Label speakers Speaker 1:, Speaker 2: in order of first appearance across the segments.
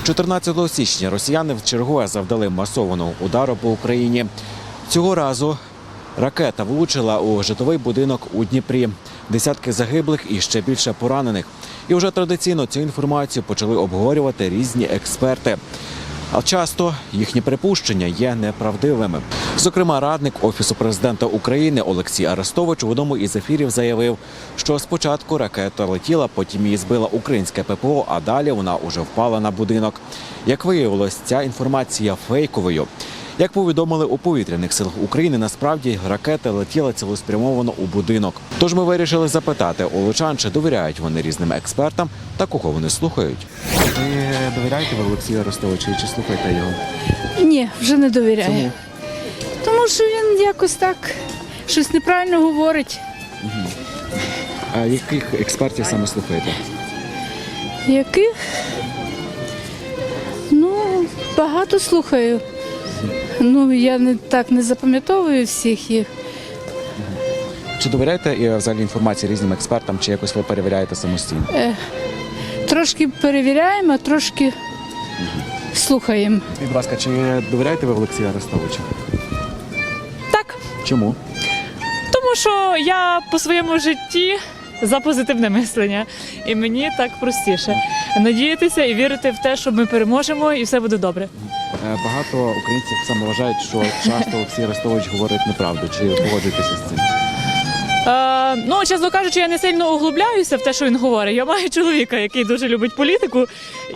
Speaker 1: 14 січня росіяни вчергове завдали масованого удару по Україні. Цього разу ракета влучила у житловий будинок у Дніпрі. Десятки загиблих і ще більше поранених. І вже традиційно цю інформацію почали обговорювати різні експерти. А часто їхні припущення є неправдивими. Зокрема, радник Офісу президента України Олексій Арестович в одному із ефірів заявив, що спочатку ракета летіла, потім її збила українське ППО, а далі вона уже впала на будинок. Як виявилось, ця інформація фейковою. Як повідомили у повітряних силах України, насправді ракета летіла цілеспрямовано у будинок. Тож ми вирішили запитати у лучан, чи довіряють вони різним експертам та кого вони слухають. Ви довіряєте Олексію Арестовичу чи слухаєте його?
Speaker 2: Ні, вже не довіряю.
Speaker 1: Чому?
Speaker 2: Тому що він якось так щось неправильно говорить.
Speaker 1: А яких експертів саме слухаєте?
Speaker 2: Яких? Ну, багато слухаю. Ну, я не запам'ятовую всіх їх.
Speaker 1: Чи довіряєте взагалі інформації різним експертам, чи якось ви перевіряєте самостійно?
Speaker 2: Трошки перевіряємо, а трошки слухаємо.
Speaker 1: Будь ласка, чи довіряєте ви Олексію Арестовичу?
Speaker 3: Так,
Speaker 1: Чому?
Speaker 3: тому що я по своєму житті за позитивне мислення. І мені так простіше. Надіятися і вірити в те, що ми переможемо і все буде добре.
Speaker 1: Багато українців саме вважають, що часто Олексій Арестович говорить неправду. Чи погоджуєтеся з цим?
Speaker 3: Ну, чесно кажучи, я не сильно углубляюся в те, що він говорить. Я маю чоловіка, який дуже любить політику,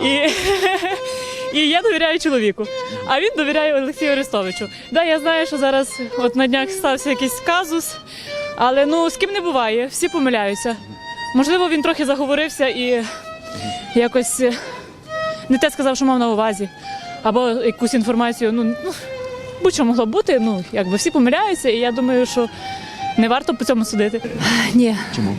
Speaker 3: і я довіряю чоловіку. А він довіряє Олексію Арестовичу. Да, я знаю, що зараз от на днях стався якийсь казус, але ну з ким не буває, всі помиляються. Можливо, він трохи заговорився і якось не те сказав, що мав на увазі. Або якусь інформацію, ну будь-що могло бути, ну, якби всі помиляються, і я думаю, що не варто по цьому судити.
Speaker 2: Ні.
Speaker 1: Чому?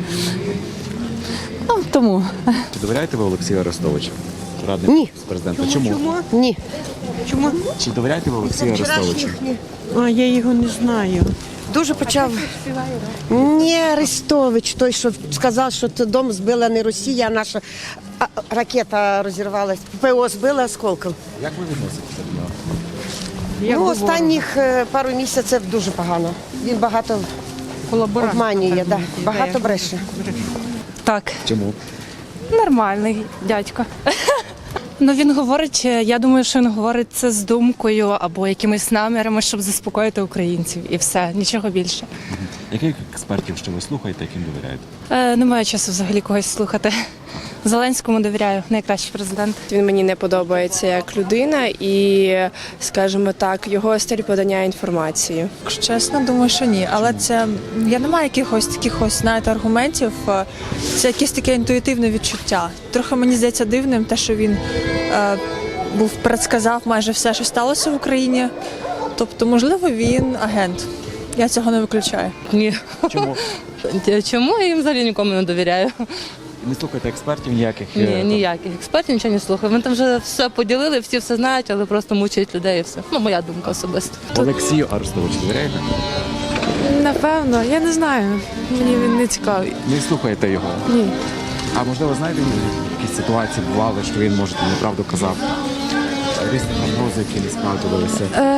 Speaker 2: Тому.
Speaker 1: Чи довіряєте ви Олексію Арестовичу? Радник
Speaker 4: Ні.
Speaker 1: президента. Чому?
Speaker 4: Ні. Чому?
Speaker 1: Чи довіряєте ви Олексію Арестовичу?
Speaker 4: А я його не знаю. Дуже почав. Ні, Арестович, той, що сказав, що це дом збила не Росія, а наша ракета розірвалась. ППО збила осколком.
Speaker 1: Як ви відноситеся до нього?
Speaker 4: Ну, останніх пару місяців дуже погано. Він багато обманює, да, багато бреше.
Speaker 5: Так,
Speaker 1: Чому?
Speaker 5: нормальний дядько. Ну він говорить, я думаю, що він говорить це з думкою або якимись намірами, щоб заспокоїти українців. І все, нічого більше.
Speaker 1: Яких експертів що ви слухаєте, яким довіряєте?
Speaker 5: Немає часу взагалі когось слухати. Зеленському довіряю, найкращий президент.
Speaker 6: Він мені не подобається як людина і, скажімо так, його стиль подання інформації.
Speaker 7: Якщо чесно, думаю, що ні. Але це я не маю якихось таких, знаєте, аргументів. Це якесь таке інтуїтивне відчуття. Трохи мені здається дивним, те, що він предсказав майже все, що сталося в Україні. Тобто, можливо, він агент. Я цього не виключаю.
Speaker 8: Ні.
Speaker 1: Чому?
Speaker 8: Чому я їм взагалі нікому не довіряю?
Speaker 1: Не слухаєте експертів ніяких?
Speaker 8: Ні, ніяких експертів нічого не слухаю. Ми там вже все поділили, всі все знають, але просто мучають людей і все. Ну, моя думка особиста.
Speaker 1: Олексію Арестовичу довіряєте?
Speaker 9: Напевно, я не знаю. Мені він не цікавий.
Speaker 1: Не слухаєте його?
Speaker 9: Ні.
Speaker 1: А можливо, знаєте, якісь ситуації бували, що він, може, неправду казав? Різні прогнози, які не справдилися?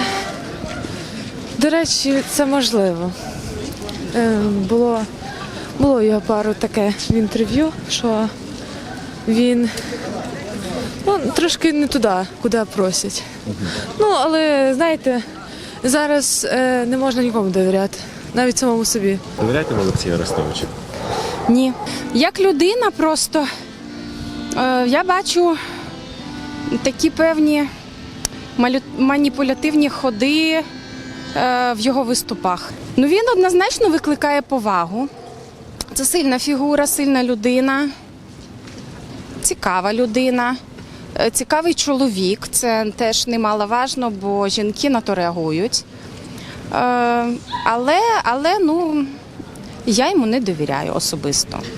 Speaker 9: До речі, це можливо. Було його пару таке в інтерв'ю, що він трошки не туди, куди просять. Ну, але, знаєте, зараз не можна нікому довіряти, навіть самому собі.
Speaker 1: Довіряєте ви Олексію Арестовичу?
Speaker 10: Ні. Як людина просто я бачу такі певні маніпулятивні ходи в його виступах. Ну, він однозначно викликає повагу. Це сильна фігура, сильна людина, цікава людина, цікавий чоловік. Це теж немаловажно, бо жінки на то реагують. Але я йому не довіряю особисто.